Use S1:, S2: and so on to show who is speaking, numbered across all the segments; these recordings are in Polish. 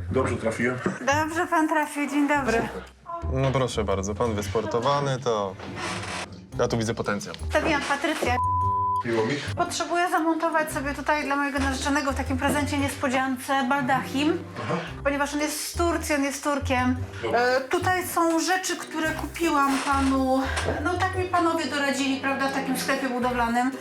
S1: Dobrze trafiłem.
S2: Dobrze pan trafił, dzień dobry.
S3: No proszę bardzo, pan wysportowany, to... Ja tu widzę potencjał.
S2: Stawiłam Patrycję.
S1: Miło mi.
S2: Potrzebuję zamontować sobie tutaj dla mojego narzeczonego w takim prezencie niespodziance baldachim, ponieważ on jest z Turcji, on jest Turkiem. Tutaj są rzeczy, które kupiłam panu, no tak mi panowie doradzili, prawda, w takim sklepie budowlanym.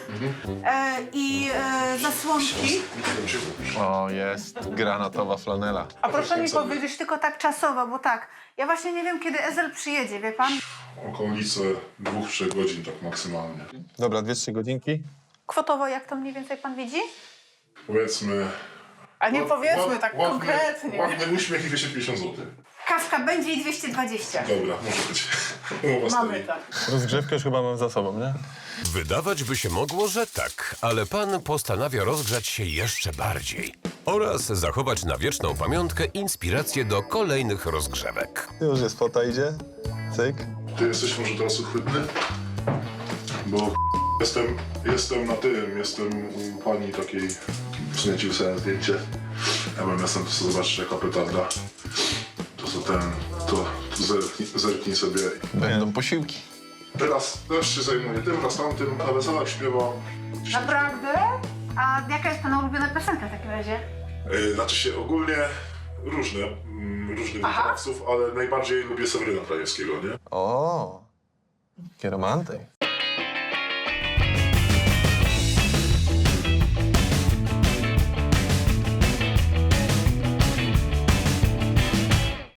S2: Zasłonki.
S3: O, jest granatowa flanela.
S2: A proszę mi powiedzieć tylko tak czasowo, bo tak, ja właśnie nie wiem, kiedy Ezel przyjedzie, wie pan?
S1: Okolice 2-3 godzin tak maksymalnie.
S3: Dobra, 2-3 godzinki.
S2: Kwotowo jak to mniej więcej pan widzi?
S1: Powiedzmy...
S2: A nie powiedzmy tak
S1: ładny,
S2: konkretnie.
S1: Ładny uśmiech i 250 zł.
S2: Kawka będzie i 220.
S1: Dobra, może być. Umowa stoi.
S3: Rozgrzewkę już chyba mam za sobą, nie?
S4: Wydawać by się mogło, że tak, ale pan postanawia rozgrzać się jeszcze bardziej oraz zachować na wieczną pamiątkę inspirację do kolejnych rozgrzewek.
S3: Już jest fota, idzie. Cyk.
S1: Ty jesteś może teraz uchwytny? Bo jestem na tym, jestem u pani takiej, w sumie ci wysłałem zdjęcie. Ja bym jestem, to sobie zobaczysz jaka petarda. To zerknij sobie.
S3: Będą posiłki.
S1: Teraz też się zajmuję tym, raz tamtym, na weselach śpiewam.
S2: Naprawdę? A jaka jest pana ulubiona piosenka w takim razie?
S1: Znaczy się ogólnie różnych wykonawców, ale najbardziej lubię Seweryna Krajewskiego, nie?
S3: O, jaki romantyk.